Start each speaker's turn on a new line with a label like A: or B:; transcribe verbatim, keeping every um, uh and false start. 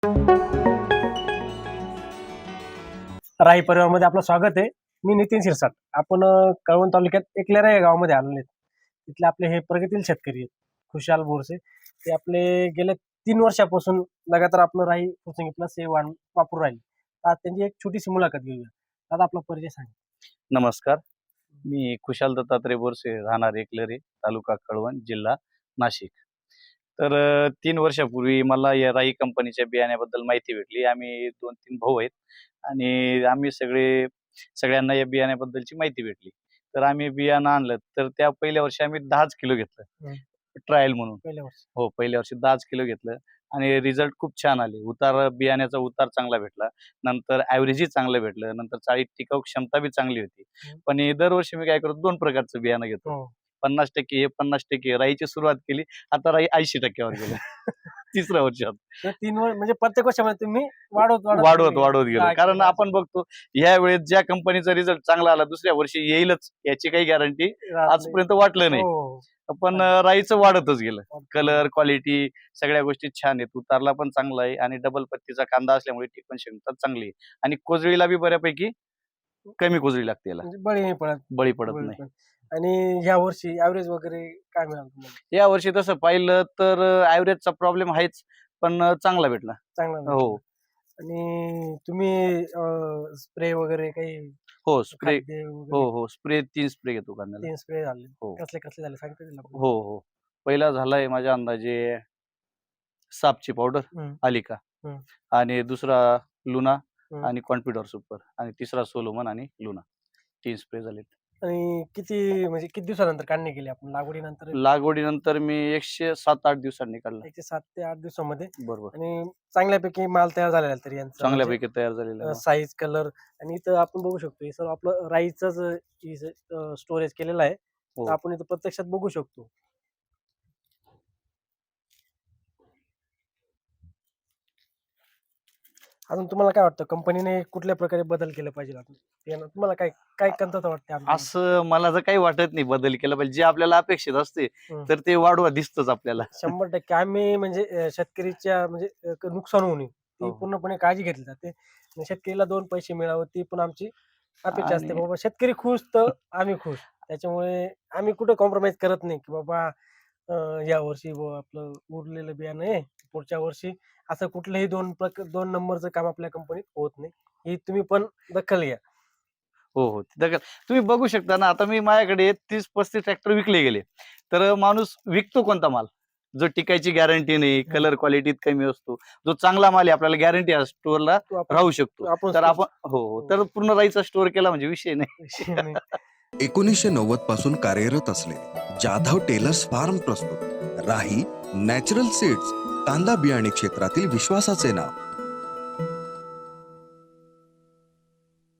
A: राही परिवारमध्ये आपलं स्वागत आहे. मी नितीन शिरसाट. आपण अ, कळवण तालुक्यात एकलेरा या गावामध्ये आलेले आहेत. तिथले आपले हे प्रगतील शेतकरी आहेत, खुशाल बोरसे. ते आपले गेल्या तीन वर्षापासून लगातार आपलं राही फुरसंगी प्लस हे वाण वापरून राहिले. तर आज त्यांची एक छोटीशी मुलाखत घेऊया. दादा आपला परिचय सांगा.
B: नमस्कार. मी खुशाल दत्तात्रय बोरसे, राहणार एकलरे, तालुका कळवण, जिल्हा नाशिक. तर अ, तीन वर्षापूर्वी मला या राई कंपनीच्या बियाण्याबद्दल माहिती भेटली. आम्ही दोन तीन भाऊ आहेत आणि आम्ही सगळे सगळ्यांना या बियाण्याबद्दलची माहिती भेटली. तर आम्ही बियाणं आणलं. तर त्या पहिल्या वर्षी आम्ही दहाच किलो घेतलं
A: हं.
B: ट्रायल म्हणून.
A: पहिल्या वर्षी.
B: हो, पहिल्या वर्षी दहाच किलो घेतलं आणि रिझल्ट खूप छान आले. उतार बियाण्याचा उतार चांगला भेटला. नंतर ॲव्हरेजही चांगलं भेटलं. नंतर चाळीत टिकाऊ क्षमता बी चांगली होती.
A: हं.
B: पण हे दरवर्षी मी काय करतो दोन प्रकारचं बियाणं घेतो.
A: हो.
B: पन्नास टक्के हे पन्नास टक्के राईची सुरुवात केली. आता राई ऐंशी टक्के वर गेलं. तिसऱ्या वर्षात.
A: तर तीन वर्ष म्हणजे प्रत्येक वर्षामध्ये तुम्ही वाढवत
B: वाढवत
A: तुम्ही
B: वाढवत गेलो.
A: दहा
B: कारण
A: किलो
B: आपण बघतो ह्या वेळेस ज्या कंपनीचा रिझल्ट चांगला आला दुसऱ्या वर्षी येईलच याची काही गॅरंटी
A: राहत नाही.
B: आजपर्यंत वाटलं नाही.
A: हो.
B: पण अ, राईचं वाढतच गेलं.
A: वाढतं.
B: कलर, क्वालिटी सगळ्या गोष्टी छान आहेत. उतारला पण चांगला आहे आणि डबल पत्तीचा कांदा असल्यामुळे टिकवण क्षमता चांगली आहे. आणि कोजळीला बी बऱ्यापैकी कमी कोजळी लागते याला.
A: म्हणजे बळी नाही पडत.
B: बळी पडत
A: बळी
B: नाही.
A: पडत. आणि ह्या वर्षी ॲव्हरेज वगैरे काय मिळालं तुम्हाला?
B: या वर्षी तसं पाहिलं तर ॲव्हरेजचा प्रॉब्लेम आहेच, पण अ, चांगला भेटला.
A: चांगला
B: हो.
A: भेटला. आणि तुम्ही स्प्रे वगैरे काही
B: हो, स्प्रे
A: खाद्य
B: हो,
A: वगैरे
B: हो. स्प्रे तीन स्प्रे घेतो कांद्याला.
A: तीन स्प्रे झाले.
B: हो.
A: कसले कसले झाले सांगता येईल आपल्याला?
B: हो, हो. पहिला झालाय माझ्या अंदाजे सापची पावडर,
A: हं,
B: आलिका
A: हं,
B: आणि दुसरा लुना
A: हं.
B: आणि कॉन्फिडर सुपर आणि तिसरा सोलोमन आणि लुना. तीन स्प्रे झालेत.
A: आणि किती म्हणजे किती दिवसानंतर काढणी केली आपण लागवडीनंतर?
B: लागवडीनंतर मी एकशे सात आठ दिवसांनी काढला.
A: एकशे सात ते आठ दिवसामध्ये
B: बरोबर.
A: आणि चांगल्यापैकी माल तयार झालेला आहे तरी यांचा म्हणजे
B: चांगल्यापैकी तयार झालेला आहे.
A: साईज, कलर आणि इथं आपण बघू शकतो हे सर्व आपलं राईचंच स्टोरेज केलेलं आहे.
B: हो.
A: तर आपण इथं प्रत्यक्षात बघू शकतो. अजून तुम्हाला काय वाटतं कंपनीने कुठल्या प्रकारे बदल केले पाहिजे आपण? यानं तुम्हाला काय काय कमतरता वाटते आपल्याला?
B: असं मला तर काही वाटत नाही बदल केला पाहिजे. जे आपल्याला अपेक्षित असते
A: हं.
B: तर ते वाढवा दिसतंच आपल्याला.
A: शंभर टक्के आम्ही म्हणजे अ, शेतकरीच्या म्हणजे अ, क- नुकसान होऊ नये ती
B: हो.
A: पूर्णपणे काळजी घेतली जाते आणि शेतकरीला दोन पैसे मिळावं ती पण आमची अपेक्षा असते.
B: आणि
A: बाबा शेतकरी खुश तर आम्ही खुश. त्याच्यामुळे आम्ही कुठे कॉम्प्रोमाइज करत नाही की बाबा अ, या वर्षी बुवा आपलं उरलेलं बियाणं आहे पुढच्या वर्षी असं कुठलंही दोन प्रक दोन नंबरचं काम आपल्या कंपनीत होत नाही. ही तुम्ही पण दखल घ्या.
B: हो, हो. तिथं तुम्ही बघू शकता ना, आता मी माझ्याकडे तीस पस्तीस ट्रॅक्टर विकले गेले. तर माणूस विकतो कोणता माल? जो टिकायची गॅरंटी नाही,
A: हं.
B: कलर क्वालिटीत कमी असतो. जो चांगला माल आहे आपल्याला गॅरंटी आहे स्टोअरला
A: तो आपण
B: राहू शकतो.
A: तो आपण
B: तर
A: स्टोर
B: आपण हो, हो. तर पूर्ण राईचा स्टोअर केला म्हणजे विषय नाही.
A: विषय नाही.
C: एकोणीसशे नव्वद पासून कार्यरत असलेले जाधव टेलर्स फार्म प्रस्तुत राही नॅचरल सीड्स कांदा बियाणे क्षेत्रातील विश्वासाचे नाव.